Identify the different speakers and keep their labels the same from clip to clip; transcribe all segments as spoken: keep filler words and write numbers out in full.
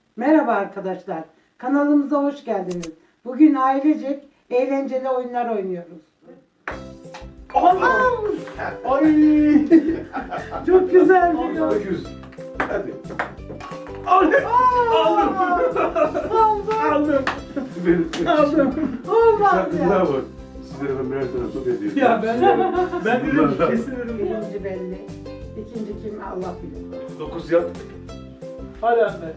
Speaker 1: Merhaba arkadaşlar. Kanalımıza hoş geldiniz. Bugün ailecek eğlenceli oyunlar oynuyoruz.
Speaker 2: Allah! Ay!
Speaker 1: Çok güzel bir oyun.
Speaker 2: Öküz. Hadi. Aldım. Aldım.
Speaker 1: Aldım.
Speaker 2: Aldım. Benim
Speaker 1: Aldım. Olmaz
Speaker 2: Sakınlar
Speaker 1: ya.
Speaker 2: var. Sizlere ben birer tane top hediye ediyorum.
Speaker 3: Ya ben ben dedim
Speaker 2: Bunlardan.
Speaker 3: kesin dedim.
Speaker 1: Birinci belli. İkinci kim Allah bilir.
Speaker 2: Dokuz yap.
Speaker 3: Hadi anne.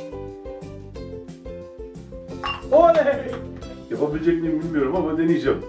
Speaker 3: Oley!
Speaker 2: Yapabilecek miyim bilmiyorum ama deneyeceğim.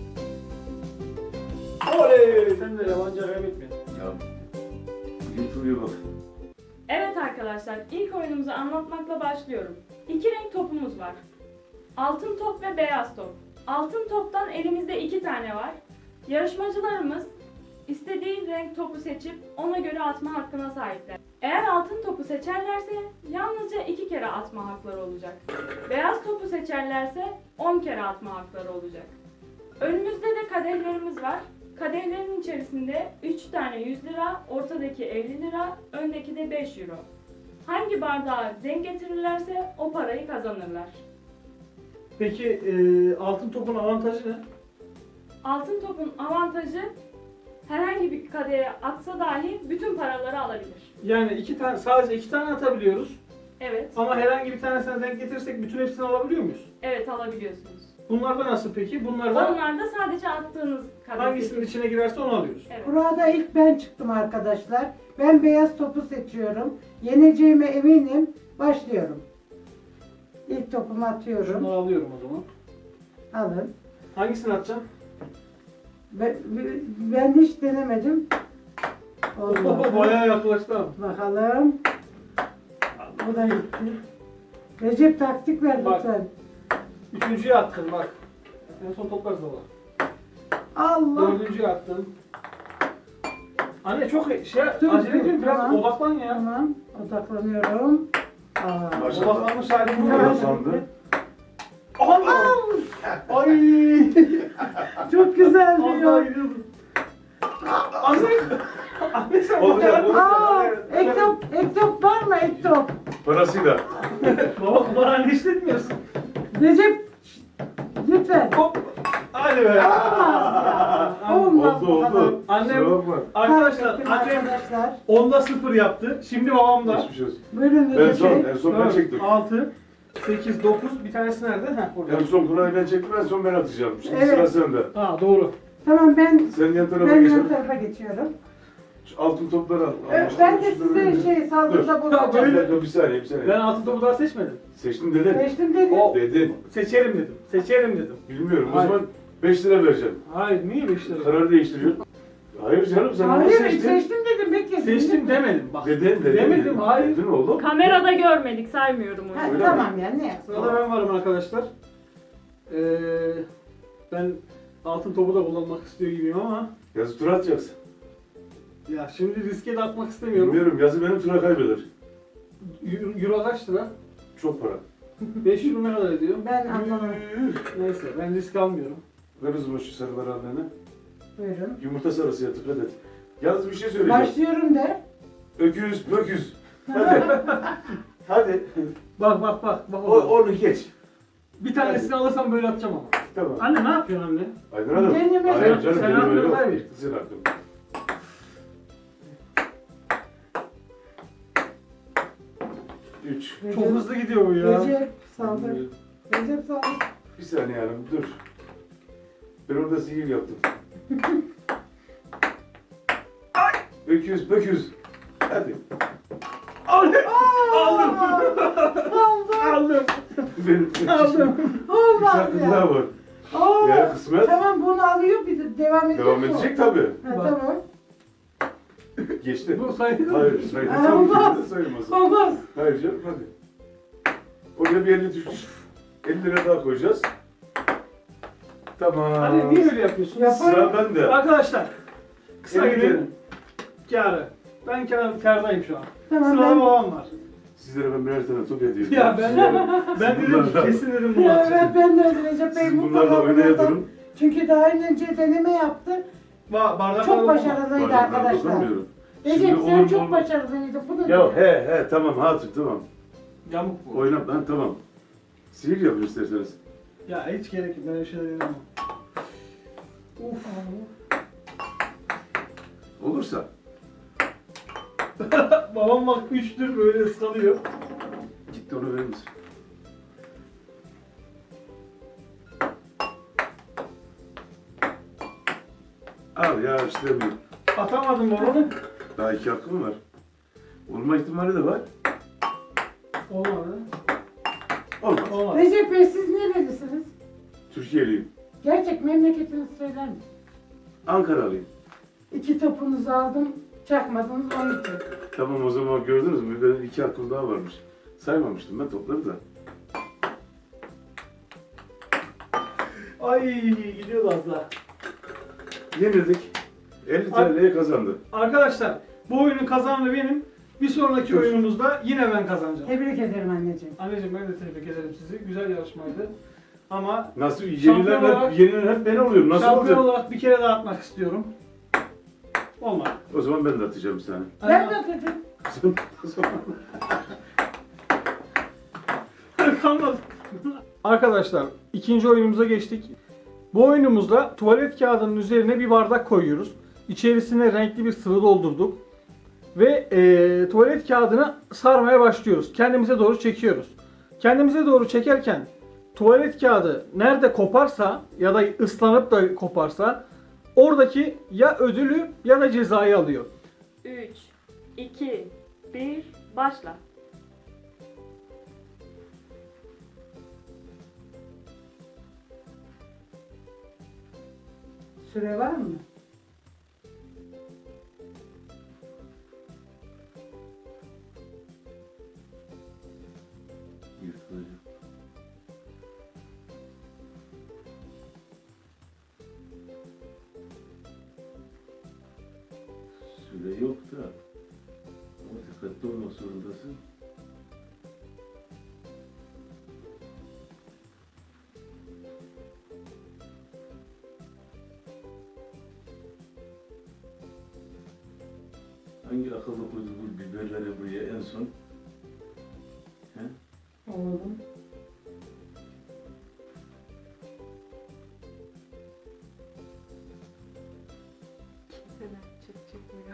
Speaker 3: Oley! Sen de yabancı kaybetme.
Speaker 2: Ya. Bugün Tuğ'ya bak.
Speaker 4: Evet arkadaşlar, ilk oyunumuzu anlatmakla başlıyorum. İki renk topumuz var. Altın top ve beyaz top. Altın toptan elimizde iki tane var. Yarışmacılarımız istediği renk topu seçip ona göre atma hakkına sahipler. Eğer altın topu seçerlerse yalnızca iki kere atma hakları olacak. Beyaz topu seçerlerse on kere atma hakları olacak. Önümüzde de kadehlerimiz var. Kadehlerin içerisinde üç tane yüz lira, ortadaki elli lira, öndeki de beş euro. Hangi bardağı denk getirirlerse o parayı kazanırlar.
Speaker 3: Peki e, altın topun avantajı ne?
Speaker 4: Altın topun avantajı herhangi bir kadeye atsa dahi bütün paraları alabilir.
Speaker 3: Yani iki tane sadece iki tane atabiliyoruz.
Speaker 4: Evet,
Speaker 3: Ama herhangi bir tanesine denk getirirsek bütün hepsini alabiliyor muyuz?
Speaker 4: evet alabiliyorsunuz.
Speaker 3: Bunlarda nasıl peki? Bunlarda
Speaker 4: Onlar da sadece attığınız kadeh.
Speaker 3: hangisinin içine girerse onu alıyoruz.
Speaker 4: Evet.
Speaker 1: Burada ilk ben çıktım arkadaşlar. Ben beyaz topu seçiyorum. Yeneceğime eminim. Başlıyorum. İlk topumu atıyorum.
Speaker 3: Şunları alıyorum o zaman.
Speaker 1: Alın.
Speaker 3: Hangisini atacağım?
Speaker 1: Ben, ben hiç denemedim.
Speaker 3: Oho,
Speaker 1: Olmadı.
Speaker 3: bayağı yaklaştı abi.
Speaker 1: Bakalım. Bu da gitti. Recep taktik ver
Speaker 3: Bak.
Speaker 1: lütfen.
Speaker 3: Üçüncüyü attım bak. En son toplarız baba.
Speaker 1: Allah.
Speaker 3: Dördüncüyü attım. Anne çok şey
Speaker 1: Dur,
Speaker 3: acele
Speaker 1: dur,
Speaker 3: ediyorum biraz
Speaker 1: tamam.
Speaker 3: odaklan ya.
Speaker 1: Tamam. Odaklanıyorum. Aa.
Speaker 2: Maşallah.
Speaker 3: Odaklanmış halim bu.
Speaker 1: Ya.
Speaker 2: Sandı.
Speaker 3: Allah! Ay!
Speaker 1: Çok güzel
Speaker 3: Az
Speaker 1: bir
Speaker 3: daha
Speaker 1: yol.
Speaker 3: gidiyordum. Anne! Anne sen
Speaker 2: Olacak,
Speaker 3: bak-
Speaker 2: olacak.
Speaker 1: Aa, ek top, ek top var mı ek top?
Speaker 2: Parasıyla.
Speaker 3: Baba kumarhane işletmiyorsun.
Speaker 1: Recep lütfen.
Speaker 3: Hop! Hadi be!
Speaker 1: Olmaz
Speaker 2: Oldu
Speaker 1: bu kadar.
Speaker 2: oldu.
Speaker 3: Annem-
Speaker 2: Kusura bakma.
Speaker 3: Arkadaşlar
Speaker 1: Kaybettim
Speaker 3: annem
Speaker 1: arkadaşlar.
Speaker 3: onda sıfır yaptı. Şimdi babam da.
Speaker 2: Geçmiş olsun.
Speaker 1: Buyurun
Speaker 2: En
Speaker 1: Recep
Speaker 2: son,
Speaker 1: Bey.
Speaker 2: en son ben çektim.
Speaker 3: altı, sekiz, dokuz. Bir tanesi nerede? Heh orada.
Speaker 2: En son kurayı ben çektim, en son ben atacağım. Şimdi
Speaker 1: Evet.
Speaker 2: sıra sende.
Speaker 3: Ha doğru.
Speaker 1: Tamam ben
Speaker 2: Sen yan tarafa
Speaker 1: ben yan
Speaker 2: geçelim.
Speaker 1: tarafa geçiyorum.
Speaker 2: Şu altın topları al.
Speaker 1: Ö,
Speaker 2: Al,
Speaker 1: Ben de
Speaker 2: şunları
Speaker 1: size
Speaker 2: verin.
Speaker 1: şey saldırıda
Speaker 3: Ya
Speaker 2: Bir
Speaker 1: bulunacağım.
Speaker 2: dakika, bir saniye, bir saniye.
Speaker 3: Ben altın topu daha seçmedim.
Speaker 2: Seçtim dedin.
Speaker 1: Seçtim dedim.
Speaker 3: O-
Speaker 2: Dedin.
Speaker 3: Seçerim dedim. Seçerim dedim.
Speaker 2: Bilmiyorum.
Speaker 3: Hayır.
Speaker 2: O zaman beş lira vereceğim.
Speaker 3: Hayır niye beş lira?
Speaker 2: Karar değiştiriyorsun. Hayır canım, sen onu
Speaker 1: Hayır
Speaker 2: seçtin.
Speaker 1: seçtim dedim bekle.
Speaker 3: Seçtim demedim bak.
Speaker 2: Dedin, dedin.
Speaker 3: Demedim
Speaker 2: dedin.
Speaker 3: hayır.
Speaker 2: Dedin oğlum.
Speaker 4: Kamerada görmedik, saymıyorum
Speaker 1: Ha,
Speaker 4: onu.
Speaker 2: Öyle
Speaker 1: tamam ya ne?
Speaker 3: Sırada ben varım arkadaşlar. Ee, ben altın topu da kullanmak istiyor gibiyim ama
Speaker 2: Yazı tura atacaksın.
Speaker 3: ya şimdi riske de atmak istemiyorum.
Speaker 2: Bilmiyorum, yazı benim tura kaybeder.
Speaker 3: Euro, Euro kaç lira?
Speaker 2: Çok para.
Speaker 3: beş euro ne kadar ediyor?
Speaker 1: Ben anlamadım.
Speaker 3: Neyse ben risk almıyorum.
Speaker 2: Ver o zaman şu sarıları annene.
Speaker 1: Buyurun.
Speaker 2: Yumurta sarısı ya, dikkat et. Yalnız bir şey söyleyeceğim.
Speaker 1: Başlıyorum de.
Speaker 2: Öküz, böküz. Hadi. Hadi.
Speaker 3: Bak bak bak. bak
Speaker 2: O, onu geç.
Speaker 3: bir tanesini alırsam böyle atacağım ama.
Speaker 2: Tamam.
Speaker 3: Anne ne yapıyorsun anne?
Speaker 2: Aydın Hanım.
Speaker 1: Kendime-
Speaker 2: Hayır
Speaker 3: Sen-
Speaker 2: canım,
Speaker 3: sen
Speaker 2: benim öyle
Speaker 3: hakkını
Speaker 2: yok.
Speaker 3: kaybettin.
Speaker 2: Senin hakkın. Üç.
Speaker 3: Çok hızlı gidiyor bu ya.
Speaker 1: Recep saldır. Recep saldır.
Speaker 2: Bir saniye hanım, dur. Ben orada sihir yaptım. Öküz, böküz. Hadi.
Speaker 3: Aldım. Aldım.
Speaker 1: Aldım.
Speaker 3: Aldım.
Speaker 2: Benim
Speaker 3: Aldım.
Speaker 2: Bir
Speaker 1: Olmaz
Speaker 2: hakkım
Speaker 1: ya.
Speaker 2: daha var.
Speaker 1: Aa,
Speaker 2: Ya kısmet.
Speaker 1: Tamam bunu alıyor bir de devam edecek
Speaker 2: Devam
Speaker 1: mi?
Speaker 2: edecek tabii.
Speaker 1: Ha,
Speaker 3: Bak.
Speaker 1: tamam.
Speaker 2: Geçti.
Speaker 3: Bu sayılır mı?
Speaker 2: Hayır, sayılır.
Speaker 1: Aa,
Speaker 2: Tabii
Speaker 1: olmaz.
Speaker 2: ki de sayılmaz.
Speaker 1: Olmaz.
Speaker 2: Hayır canım, hadi. Oraya bir elli düşmüş. elli lira daha koyacağız. Tamam.
Speaker 3: Anne niye öyle yapıyorsun?
Speaker 1: Yap.
Speaker 2: Sıra bende.
Speaker 3: Arkadaşlar kısa
Speaker 2: Evet,
Speaker 3: günün kârı. Ben kâr, kârdayım şu an.
Speaker 1: Tamam
Speaker 3: Sırada
Speaker 1: ben.
Speaker 3: babam var.
Speaker 2: Sizlere ben birer tane top hediye ediyorum.
Speaker 3: Ya ben
Speaker 2: Sizlere-
Speaker 3: ben
Speaker 2: siz
Speaker 3: dedim
Speaker 2: bunlarla-
Speaker 3: kesin dedim bunu
Speaker 1: Ya,
Speaker 3: atacağım.
Speaker 1: evet ben de Recep Bey
Speaker 2: Siz
Speaker 1: mutlaka
Speaker 2: bunlarla oynaya
Speaker 1: bunlardan-
Speaker 2: durun.
Speaker 1: Çünkü daha önce deneme yaptı.
Speaker 3: Ba bardaklar
Speaker 1: Çok
Speaker 3: olmaz.
Speaker 1: başarılıydı
Speaker 2: Bardaklara
Speaker 1: arkadaşlar.
Speaker 2: dokunmuyorum.
Speaker 1: Recep
Speaker 2: Şimdi
Speaker 1: sen
Speaker 2: olur mu
Speaker 1: çok
Speaker 2: olmaz.
Speaker 1: başarılıydın. Bunu
Speaker 2: Ya he he tamam hatır tamam.
Speaker 3: Yamuk bu.
Speaker 2: Oynat lan tamam. Sihir yapın isterseniz.
Speaker 3: Ya hiç gerek yok. Ben öyle şeyler yapamam. Uf.
Speaker 2: Olursa.
Speaker 3: Babam bak üçtür böyle ıskalıyor.
Speaker 2: Gitti onu verir misin? Al ya istemiyorum.
Speaker 3: Atamadım babamı.
Speaker 2: Daha iki hakkım var. Olma ihtimali de var.
Speaker 3: Olmadı.
Speaker 2: Olmaz.
Speaker 3: Olmadı.
Speaker 1: Recep Bey siz nerelisiniz?
Speaker 2: Türkiye'liyim.
Speaker 1: Gerçek memleketinizi söyler misiniz?
Speaker 2: Ankaralıyım.
Speaker 1: İki topunuzu aldım, çakmadınız on iki.
Speaker 2: Tamam o zaman gördünüz mü? Benim iki hakkım daha varmış. Saymamıştım ben topları da.
Speaker 3: Ay gidiyordu az daha.
Speaker 2: Yenildik. elli T L'ye kazandı.
Speaker 3: Arkadaşlar bu oyunun kazananı benim. Bir sonraki
Speaker 2: Dur.
Speaker 3: oyunumuzda yine ben kazanacağım.
Speaker 1: Tebrik ederim anneciğim.
Speaker 3: Anneciğim ben de tebrik ederim sizi. Güzel yarışmaydı. Ama
Speaker 2: Nasıl
Speaker 3: Şampiyon
Speaker 2: yenilen
Speaker 3: olarak-
Speaker 2: hep, yenilen hep ben oluyorum. Nasıl
Speaker 3: şampiyon
Speaker 2: olacak?
Speaker 3: olarak bir kere daha atmak istiyorum. Olmadı.
Speaker 2: O zaman ben de atacağım bir tane.
Speaker 1: Ben de atacağım.
Speaker 2: O zaman-
Speaker 3: Kalmadı. Arkadaşlar ikinci oyunumuza geçtik. Bu oyunumuzda tuvalet kağıdının üzerine bir bardak koyuyoruz. İçerisine renkli bir sıvı doldurduk. Ve eee, tuvalet kağıdını sarmaya başlıyoruz. Kendimize doğru çekiyoruz. Kendimize doğru çekerken tuvalet kağıdı nerede koparsa ya da ıslanıp da koparsa oradaki ya ödülü ya da cezayı alıyor.
Speaker 4: üç, iki, bir, başla.
Speaker 1: Süre var mı?
Speaker 2: Yırtılacak. Süre yok da ama dikkatli olmak zorundasın. Hangi akıllı koydu bu biberleri buraya en son? He?
Speaker 1: Oğlum.
Speaker 4: Kimseler çok çekmiyor.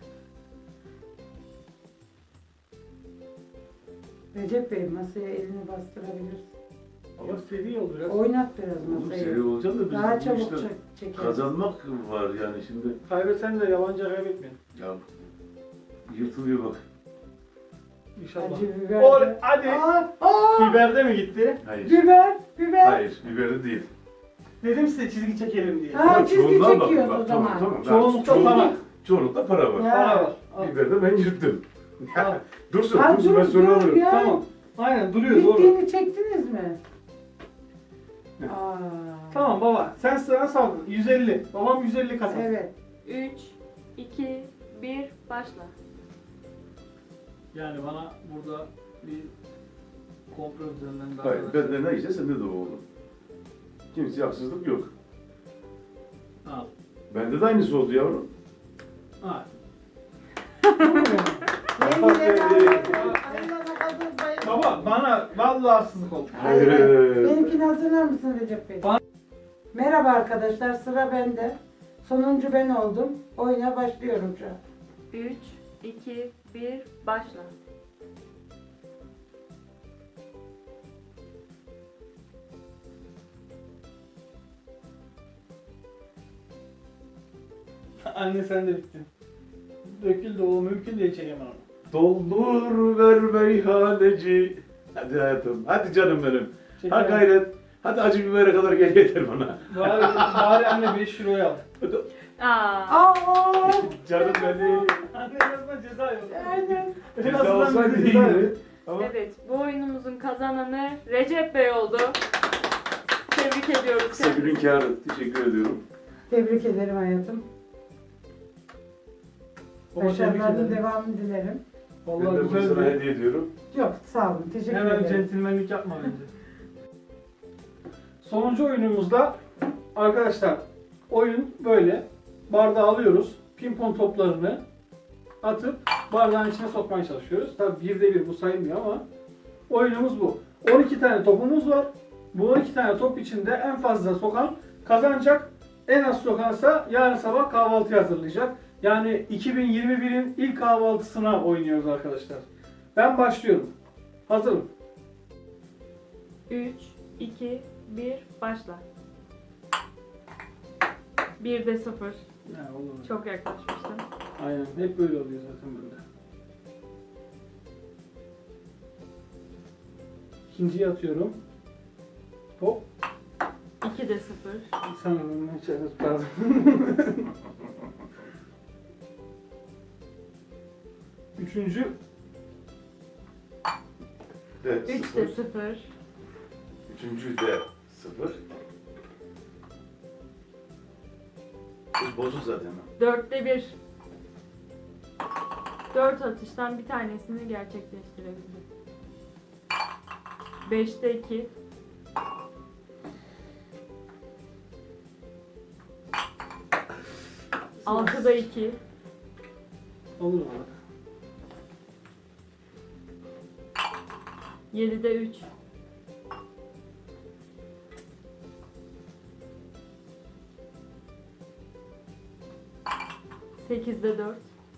Speaker 1: Recep Bey masaya elini bastırabilirsin.
Speaker 3: Ama seri ol biraz.
Speaker 1: Oynat biraz
Speaker 2: Oğlum
Speaker 1: masayı.
Speaker 2: seri olacağım da biz
Speaker 1: Daha
Speaker 2: bu
Speaker 1: çabuk
Speaker 2: işte
Speaker 1: çek çekeriz.
Speaker 2: kazanmak var yani şimdi.
Speaker 3: Kaybetsen de yabancı kaybetmeyin.
Speaker 2: Ya yırtılıyor bak.
Speaker 3: İnşallah.
Speaker 1: Acı biber.
Speaker 3: Ol,
Speaker 1: de-
Speaker 3: hadi.
Speaker 1: Aa, aa,
Speaker 3: Biberde mi gitti?
Speaker 2: Hayır.
Speaker 1: biber, biber.
Speaker 2: Hayır, biberi değil.
Speaker 3: Dedim size çizgi çekelim diye.
Speaker 1: Ha,
Speaker 2: Ama
Speaker 1: çizgi
Speaker 2: çoğunluğa bakın
Speaker 1: çekiyoruz
Speaker 2: bak,
Speaker 1: o zaman.
Speaker 2: Tamam, tamam.
Speaker 3: Çoğunlukta
Speaker 2: Çoğunluk-
Speaker 3: para.
Speaker 2: Çoğunlukta para var.
Speaker 1: Ya.
Speaker 3: Para var. Al.
Speaker 2: Biberde ben yırttım.
Speaker 3: Al.
Speaker 2: Dursun,
Speaker 1: Ha,
Speaker 2: dursun
Speaker 1: dur,
Speaker 2: ben sonra
Speaker 1: dur
Speaker 2: alırım.
Speaker 1: ya.
Speaker 3: Tamam. Aynen duruyor doğru.
Speaker 1: Bittiğini çektiniz mi? Aa.
Speaker 3: Tamam baba. Sen sıra saldın. yüz elli. Babam yüz elli kazandı.
Speaker 1: Evet.
Speaker 4: üç, iki, bir, başla.
Speaker 3: Yani bana burada bir komplo üzerinden daha
Speaker 2: Hayır, bende neyse sende de o olur. Kimseye haksızlık yok.
Speaker 3: Al.
Speaker 2: Bende de aynısı oldu yavrum.
Speaker 3: Al.
Speaker 1: Yengiler
Speaker 2: Aferin.
Speaker 3: Baba bana vallahi haksızlık oldu.
Speaker 1: Hayır.
Speaker 2: Hayır.
Speaker 1: Benimkini hazırlar mısın Recep Bey?
Speaker 3: Bana-
Speaker 1: Merhaba arkadaşlar, sıra bende. Sonuncu ben oldum. Oyuna başlıyorum şu an.
Speaker 4: üç, iki, bir, başla.
Speaker 3: Anne sen de bittin. Döküldü o mümkün değil çekemem onu.
Speaker 2: Doldur ver meyhaneci. Hadi hayatım, hadi canım benim. Ha
Speaker 3: Çekemem.
Speaker 2: gayret. Hadi acı bibere kadar gel yeter bana.
Speaker 3: Bari, bari anne beş euroya al.
Speaker 2: Hadi.
Speaker 4: Aa,
Speaker 1: Aa!
Speaker 2: Canım benim.
Speaker 3: Anne en azından ceza yok.
Speaker 1: Aynen.
Speaker 3: En
Speaker 2: Ceza
Speaker 3: azından
Speaker 2: olsaydı
Speaker 3: bir ceza yok.
Speaker 2: iyiydi. Ama
Speaker 4: evet, bu oyunumuzun kazananı Recep Bey oldu. Tebrik ediyoruz
Speaker 2: kısa günün
Speaker 4: kendisini.
Speaker 2: kârı. Teşekkür ediyorum.
Speaker 1: Tebrik ederim hayatım.
Speaker 3: Baba tebrik
Speaker 1: Başarılarının
Speaker 3: ederim.
Speaker 1: devamını dilerim.
Speaker 2: Ben
Speaker 3: Vallahi
Speaker 2: de bunu
Speaker 3: güzel
Speaker 2: sana
Speaker 3: bir...
Speaker 2: hediye ediyorum.
Speaker 1: Yok, sağ olun. Teşekkür
Speaker 3: Hemen
Speaker 1: ederim.
Speaker 3: centilmenlik yapma bence. Sonuncu oyunumuzda arkadaşlar oyun böyle. Bardağı alıyoruz. Pimpon toplarını atıp bardağın içine sokmaya çalışıyoruz. Tabii birde bir bu sayılmıyor ama Oyunumuz bu. on iki tane topumuz var. Bu on iki tane top içinde en fazla sokan kazanacak. En az sokansa yarın sabah kahvaltı hazırlayacak. Yani iki bin yirmi birin ilk kahvaltısına oynuyoruz arkadaşlar. Ben başlıyorum. Hazırım.
Speaker 4: üç, iki, bir, başla. birde sıfır.
Speaker 3: Ya, olur.
Speaker 4: Çok yaklaşmıştın.
Speaker 3: Aynen. Hep böyle oluyor zaten bende. İkinciyi atıyorum. Hop.
Speaker 4: ikide sıfır.
Speaker 3: Sen onu içeri tutardın. Üçüncü.
Speaker 2: De
Speaker 4: üçte
Speaker 2: sıfır.
Speaker 4: sıfır.
Speaker 2: Üçüncü de sıfır. Bu bozuk zaten.
Speaker 4: dörtte bir. dört atıştan bir tanesini gerçekleştirebildi. beşte iki. altıda iki.
Speaker 3: Olur mu?
Speaker 4: yedide üç. sekizde dört.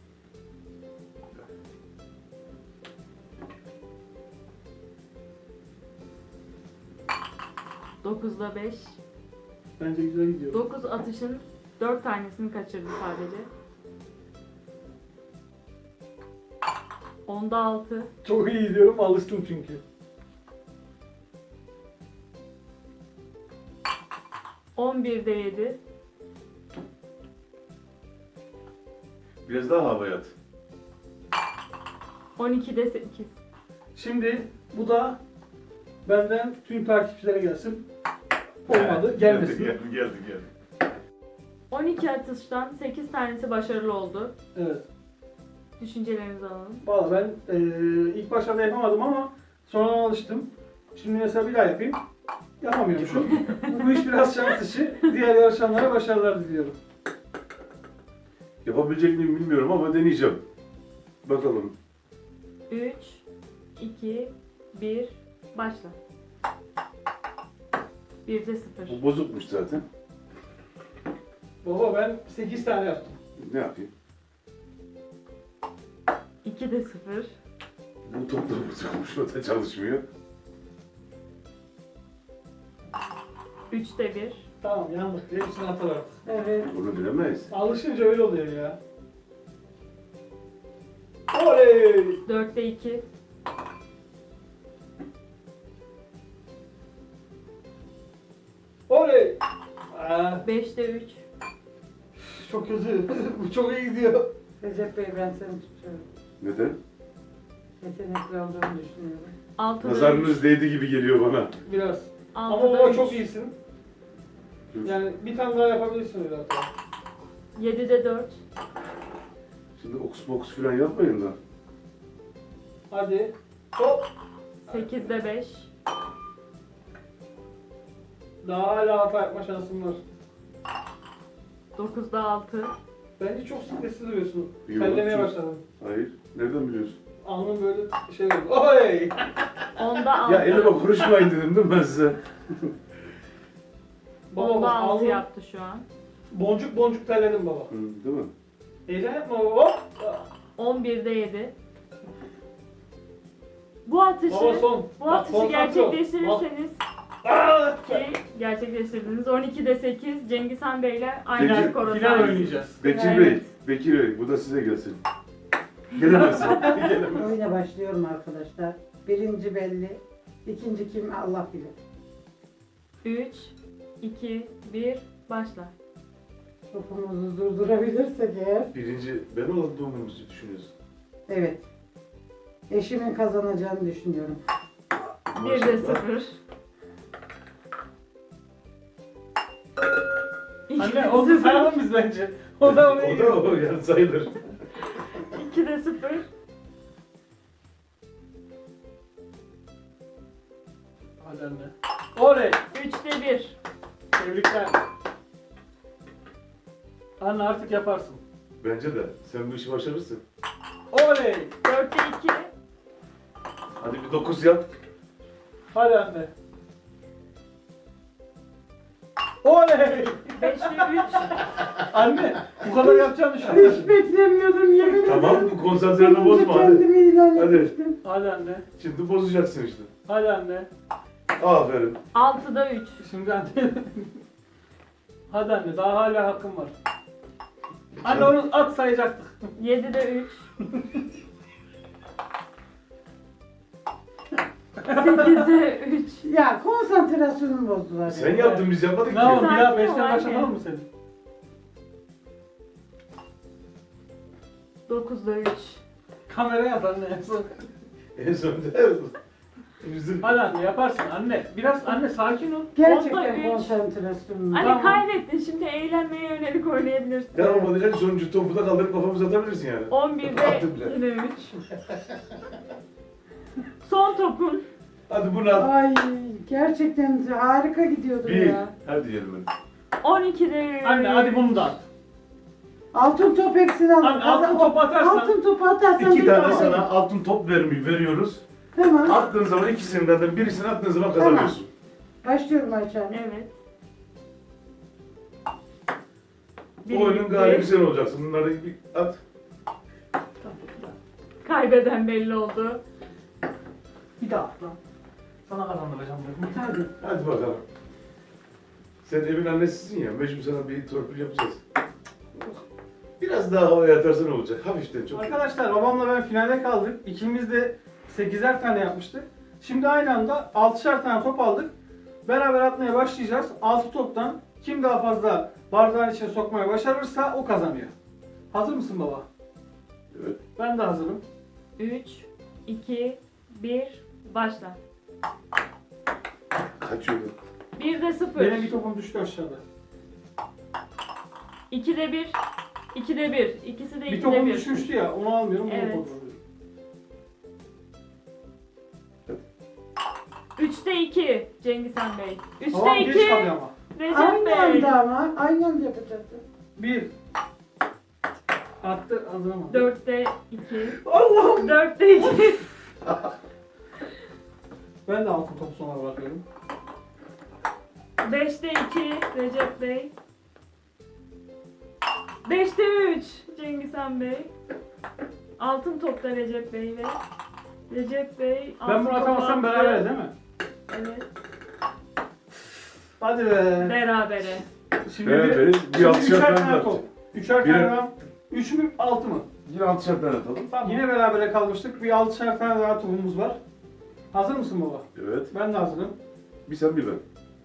Speaker 4: dokuzda beş.
Speaker 3: Bence güzel gidiyor.
Speaker 4: dokuz atışın dört tanesini kaçırdı sadece. onda altı.
Speaker 3: Çok iyi gidiyorum, alıştım çünkü.
Speaker 4: on birde yedi.
Speaker 2: Biraz daha havaya at.
Speaker 4: on ikide sekiz.
Speaker 3: Şimdi bu da benden tüm takipçilere gelsin. Olmadı, gelmesin.
Speaker 2: Geldi geldi geldi. geldi.
Speaker 4: on iki atıştan sekiz tanesi başarılı oldu.
Speaker 3: Evet.
Speaker 4: Düşüncelerinizi alalım.
Speaker 3: Valla ben eee ilk başlarda yapamadım ama sonradan alıştım. Şimdi mesela bir daha yapayım. Yapamıyormuşum. Bu iş biraz şans işi. Diğer yarışanlara başarılar diliyorum.
Speaker 2: Yapabilecek miyim bilmiyorum ama deneyeceğim. Bakalım.
Speaker 4: üç, iki, bir, başla. birde sıfır.
Speaker 2: Bu bozukmuş zaten.
Speaker 3: Baba ben sekiz tane yaptım.
Speaker 2: Ne yapayım?
Speaker 4: ikide sıfır.
Speaker 2: Bu top da bozukmuş. O da çalışmıyor.
Speaker 4: üçte bir.
Speaker 3: Tamam yandık. Hepsini atar artık.
Speaker 1: Evet.
Speaker 2: Bunu bilemeyiz.
Speaker 3: Alışınca öyle oluyor ya. Oley!
Speaker 4: dörtte iki.
Speaker 3: Oley! Aa,
Speaker 4: beşte üç.
Speaker 3: çok kötü. Bu çok iyi gidiyor.
Speaker 1: Recep Bey ben seni tutuyorum.
Speaker 2: Neden?
Speaker 1: Yetenekli olduğunu düşünüyorum.
Speaker 4: altıda
Speaker 2: Nazarınız
Speaker 4: üç.
Speaker 2: değdi gibi geliyor bana.
Speaker 3: Biraz. Ama
Speaker 4: altıda
Speaker 3: baba
Speaker 4: üç.
Speaker 3: çok iyisin. Yani bir tane daha yapabilirsin öyle hatta.
Speaker 4: yedide dört.
Speaker 2: Şimdi oks boks falan yapmayın da.
Speaker 3: Hadi. Hop.
Speaker 4: sekizde beş.
Speaker 3: Daha hala hata yapma şansın var.
Speaker 4: dokuzda altı.
Speaker 3: Bence çok stresli duruyorsun.
Speaker 2: Yok,
Speaker 3: Terlemeye
Speaker 2: çok-
Speaker 3: başladın.
Speaker 2: Hayır. Nereden biliyorsun?
Speaker 3: Alnın böyle şey oldu. Oley!
Speaker 4: onda altı.
Speaker 2: Ya elime konuşmayın dedim değil mi ben size?
Speaker 3: Baba
Speaker 4: onda
Speaker 3: bak,
Speaker 4: altı
Speaker 3: alnın
Speaker 4: yaptı şu an.
Speaker 3: boncuk boncuk terledin baba.
Speaker 2: Hı, değil mi?
Speaker 3: Heyecan yapma baba.
Speaker 4: on birde yedi. Bu atışı,
Speaker 3: Baba son.
Speaker 4: bu
Speaker 3: Bak,
Speaker 4: atışı
Speaker 3: konsantre ol.
Speaker 4: gerçekleştirirseniz
Speaker 3: Aa!
Speaker 4: ki gerçekleştirdiniz. on ikide sekiz Cengizhan Bey ile aynı
Speaker 2: Peki,
Speaker 4: skora
Speaker 3: Final
Speaker 4: sahip.
Speaker 3: oynayacağız.
Speaker 2: Bekir
Speaker 4: Evet.
Speaker 2: Bey, Bekir Bey bu da size gelsin. Gelemezsin. Gelemezsin.
Speaker 1: Oyuna başlıyorum arkadaşlar. Birinci belli. İkinci kim Allah bilir.
Speaker 4: üç, iki, bir, başla.
Speaker 1: Topumuzu durdurabilirsek eğer.
Speaker 2: Birinci ben olduğumuzu düşünüyorsun.
Speaker 1: Evet. Eşimin kazanacağını düşünüyorum.
Speaker 4: birde
Speaker 2: Maşallah.
Speaker 4: sıfır.
Speaker 3: Anne onu sayalım biz bence. O da oraya
Speaker 2: O
Speaker 3: giriyor.
Speaker 2: da o yani sayılır.
Speaker 4: ikide sıfır.
Speaker 3: Hadi anne. Oley!
Speaker 4: üçte bir.
Speaker 3: Tebrikler. Anne artık yaparsın.
Speaker 2: Bence de. Sen bu işi başarırsın.
Speaker 3: Oley!
Speaker 4: dörtte iki.
Speaker 2: Hadi bir dokuz yap.
Speaker 3: Hadi anne. Oley!
Speaker 4: beşte üç.
Speaker 3: Anne bu kadar yapacağını düşünüyorum.
Speaker 1: Hiç beklemiyordum yemin ederim.
Speaker 2: Tamam bu konsantreni bozma hadi.
Speaker 1: Kendimi ilan
Speaker 2: Hadi.
Speaker 1: etmiştim.
Speaker 3: Hadi anne.
Speaker 2: Şimdi bozacaksın işte.
Speaker 3: Hadi anne.
Speaker 2: Aferin.
Speaker 4: altıda üç.
Speaker 3: Şimdi anne. Hadi anne daha hala hakkım var. Anne onu at sayacaktık.
Speaker 4: yedide üç. sekizde üç.
Speaker 1: Ya konsantrasyonumu bozdular.
Speaker 2: Sen
Speaker 1: ya.
Speaker 2: yaptın biz yapmadık
Speaker 3: Ne
Speaker 2: ki.
Speaker 3: yapalım bir daha
Speaker 4: Sakin ol
Speaker 3: beşten
Speaker 4: anne.
Speaker 3: başlatalım mı seni?
Speaker 4: dokuzda üç.
Speaker 3: Kameraya at anne. en son.
Speaker 2: En sonunda bizim
Speaker 3: Hadi anne yaparsın anne. Biraz anne sakin ol.
Speaker 4: Onda
Speaker 1: Gerçekten
Speaker 4: üç.
Speaker 1: konsantrasyonumu.
Speaker 4: Anne
Speaker 3: Tamam.
Speaker 4: kaybettin, şimdi eğlenmeye yönelik oynayabilirsin.
Speaker 2: devam olacak sonuncu topu da kaldırıp kafamıza atabilirsin yani.
Speaker 4: on birde
Speaker 2: Attım bile.
Speaker 4: yine üç. Son topun.
Speaker 2: Hadi bunu at.
Speaker 1: Ay gerçekten harika gidiyordum
Speaker 2: Bir.
Speaker 1: ya.
Speaker 2: Hadi diyelim hadi.
Speaker 4: on ikide üç.
Speaker 3: Anne hadi bunu da at.
Speaker 1: Altın top eksini al.
Speaker 3: Anne, altın topu atarsan-
Speaker 1: Altın topu atarsan
Speaker 2: İki
Speaker 1: bir
Speaker 2: tane
Speaker 1: tane.
Speaker 2: sana altın top vermeyi veriyoruz.
Speaker 1: Tamam.
Speaker 2: Attığın zaman ikisinden de birisini attığın zaman kazanıyorsun.
Speaker 1: Başlıyorum Ayça Hanım.
Speaker 4: Evet.
Speaker 2: Bu oyunun galibi sen olacaksın. Bunları bir at.
Speaker 4: Kaybeden belli oldu.
Speaker 3: Bir daha at lan. Sana kazandıracağım dedim.
Speaker 1: Hadi.
Speaker 2: Hadi bakalım. Sen evin annesisin ya. Mecbur sana bir torpil yapacağız. Biraz daha havaya atarsan olacak. Hafiften çok.
Speaker 3: Arkadaşlar babamla ben finale kaldık. İkimiz de sekizer tane yapmıştık. Şimdi aynı anda altışar tane top aldık. Beraber atmaya başlayacağız. altı toptan kim daha fazla bardağın içine sokmaya başarırsa o kazanıyor. Hazır mısın baba?
Speaker 2: Evet.
Speaker 3: Ben de hazırım.
Speaker 4: üç, iki, bir, başla.
Speaker 2: Kaçıyordun.
Speaker 4: birde sıfır.
Speaker 3: Benim bir topum düştü aşağıda.
Speaker 4: ikide bir, ikide bir. İkisi de
Speaker 3: Bir
Speaker 4: ikide
Speaker 3: topum
Speaker 4: bir.
Speaker 3: düşmüştü ya onu almıyorum. Bunu
Speaker 4: Evet.
Speaker 3: kontrol ediyorum.
Speaker 4: üçte iki Cengizhan Bey. üçte
Speaker 3: Tamam geç
Speaker 4: iki
Speaker 3: kalıyor ama.
Speaker 4: Recep
Speaker 1: Aynı
Speaker 4: Bey.
Speaker 1: anda ama. Aynı anda yapacaktım.
Speaker 3: Bir. Attı hazırım.
Speaker 4: dörtte iki.
Speaker 1: Allah'ım.
Speaker 4: dörtte iki.
Speaker 3: Ben de altın topu sona bırakıyorum.
Speaker 4: beşte iki Recep Bey. beşte üç Cengizhan Bey. Altın topta Recep Bey ve Recep Bey altın
Speaker 3: Ben bunu
Speaker 4: topu
Speaker 3: atamazsam
Speaker 4: attı.
Speaker 3: beraber değil mi?
Speaker 4: Evet.
Speaker 3: Hadi be.
Speaker 4: Berabere.
Speaker 3: Şimdi
Speaker 2: Beraberiz. Bir
Speaker 3: şimdi
Speaker 2: altışar
Speaker 3: üçer
Speaker 2: tane
Speaker 3: tane
Speaker 2: atacak.
Speaker 3: top. Üçer
Speaker 2: Bir-
Speaker 3: tane daha. Üç mü altı mı?
Speaker 2: Yine altışar tane atalım.
Speaker 3: Tamam. Yine berabere kalmıştık. Bir altışar tane daha topumuz var. Hazır mısın baba?
Speaker 2: Evet.
Speaker 3: Ben de hazırım.
Speaker 2: Bir sen bir ben.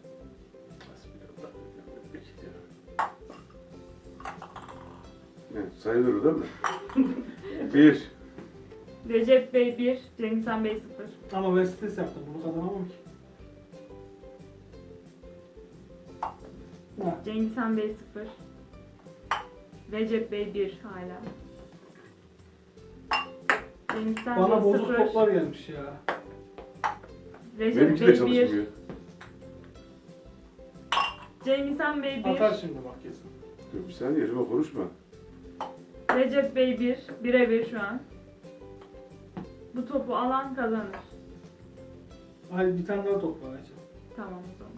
Speaker 2: Ne? Sayılır değil mi? Bir.
Speaker 4: Recep Bey bir, Cengizhan Bey sıfır.
Speaker 3: Ama ben stres yaptım. Bunu kazanamam ki. Ha.
Speaker 4: Cengizhan Bey sıfır. Recep Bey bir hala. Cengizhan
Speaker 3: Bana
Speaker 4: Bey
Speaker 3: bozuk
Speaker 4: sıfır.
Speaker 3: toplar gelmiş ya.
Speaker 4: Recep
Speaker 2: Benimki de
Speaker 4: Bey bir.
Speaker 2: çalışmıyor.
Speaker 4: Cengizhan Bey bir.
Speaker 3: Atar şimdi bak kesin.
Speaker 2: Dur bir saniye yerime konuşma.
Speaker 4: Recep Bey bir. Bire bir şu an. Bu topu alan kazanır.
Speaker 3: Hadi bir tane daha top var Ayça.
Speaker 4: Tamam o zaman.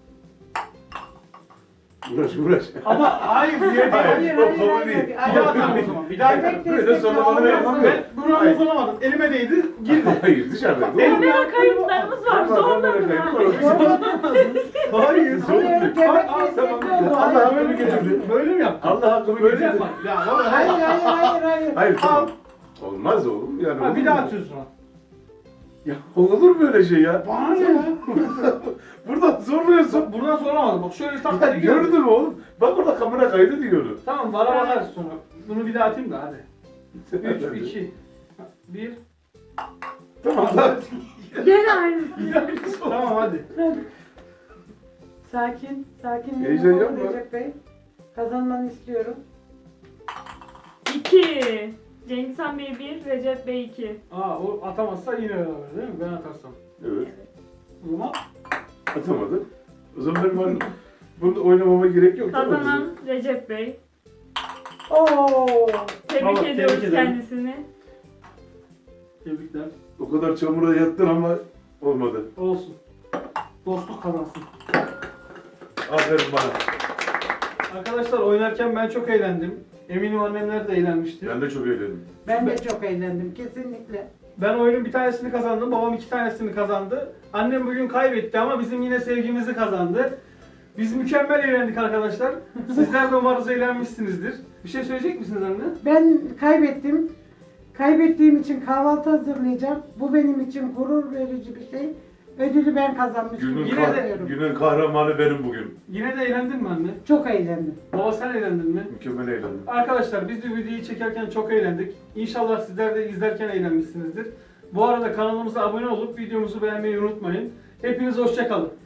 Speaker 2: Uğraş uğraş.
Speaker 3: Ama hayır diye
Speaker 2: Hayır,
Speaker 1: Hayır,
Speaker 2: o
Speaker 1: hayır,
Speaker 2: konu
Speaker 1: hayır,
Speaker 2: değil.
Speaker 1: hayır.
Speaker 3: Bir daha atalım o zaman. Bir daha
Speaker 1: Bebek
Speaker 3: atalım.
Speaker 2: Böyle
Speaker 1: destekli
Speaker 2: sonra bana
Speaker 1: olmaz.
Speaker 2: yapamam.
Speaker 3: Ben bunu uzanamadım. Elime değdi. Girdi.
Speaker 2: Hayır dışarıda.
Speaker 4: Kamera kayıtlarımız var. Zorladım ben.
Speaker 3: Hayır.
Speaker 1: Hayır, bebek
Speaker 2: Tamam,
Speaker 1: destekli
Speaker 2: tamam.
Speaker 1: oldu.
Speaker 2: Allah
Speaker 1: Hayır,
Speaker 2: hakkını getirdi.
Speaker 3: Böyle mi yaptın?
Speaker 2: Allah hakkımı
Speaker 3: Böyle
Speaker 2: getirdi.
Speaker 3: yapma. Ya baba.
Speaker 1: Hayır, hayır, hayır, hayır.
Speaker 2: Hayır tamam. Olmaz oğlum. Yani
Speaker 3: Ha,
Speaker 2: olur
Speaker 3: bir daha
Speaker 2: mu?
Speaker 3: atıyorsun ha.
Speaker 2: Ya olur böyle şey ya?
Speaker 3: Bana ne ya?
Speaker 2: Buradan zorluyorsun.
Speaker 3: Bak buradan soramadım. Bak şöyle tak
Speaker 2: Ya
Speaker 3: diye
Speaker 2: gördün mü oğlum? Bak orada kamera kaydı diyorum.
Speaker 3: Tamam bana bakarız sonra. Bunu bir daha atayım da hadi. üç, iki, bir.
Speaker 2: Tamam lan.
Speaker 4: Gene aynısı.
Speaker 3: Tamam hadi.
Speaker 1: Sakin, sakin.
Speaker 2: Heyecan
Speaker 1: Yapalım
Speaker 2: yapma.
Speaker 1: Recep Bey. Kazanmanı istiyorum.
Speaker 4: iki. Cengizhan Bey bir, Recep Bey iki.
Speaker 3: Aa o atamazsa yine beraber değil mi? Ben atarsam.
Speaker 2: Evet.
Speaker 3: O zaman
Speaker 2: Atamadı. O zaman benim hani bunu oynamama gerek yok. değil mi?
Speaker 4: Kazanan Recep Bey.
Speaker 1: Oo.
Speaker 4: Tebrik
Speaker 3: Bravo,
Speaker 4: ediyoruz
Speaker 3: tebrik ederim.
Speaker 4: kendisini.
Speaker 3: Tebrikler.
Speaker 2: O kadar çamura yattın ama olmadı.
Speaker 3: Olsun. Dostluk kazansın.
Speaker 2: Aferin bana.
Speaker 3: Arkadaşlar oynarken ben çok eğlendim. Eminim annemler de eğlenmiştir.
Speaker 2: Ben de çok eğlendim.
Speaker 1: Ben de çok eğlendim kesinlikle.
Speaker 3: Ben oyunun bir tanesini kazandım, babam iki tanesini kazandı. Annem bugün kaybetti ama bizim yine sevgimizi kazandı. Biz mükemmel eğlendik arkadaşlar. Sizler de umarız eğlenmişsinizdir. Bir şey söyleyecek misiniz anne?
Speaker 1: Ben kaybettim. Kaybettiğim için kahvaltı hazırlayacağım. Bu benim için gurur verici bir şey. Ödülü ben kazanmışım.
Speaker 2: Günün,
Speaker 3: Yine
Speaker 2: kah-
Speaker 3: de-
Speaker 2: günün kahramanı benim bugün.
Speaker 3: Yine de eğlendin mi anne?
Speaker 1: Çok eğlendim.
Speaker 3: Baba sen eğlendin mi?
Speaker 2: Mükemmel eğlendim.
Speaker 3: Arkadaşlar biz de videoyu çekerken çok eğlendik. İnşallah sizler de izlerken eğlenmişsinizdir. Bu arada kanalımıza abone olup videomuzu beğenmeyi unutmayın. Hepiniz hoşça kalın.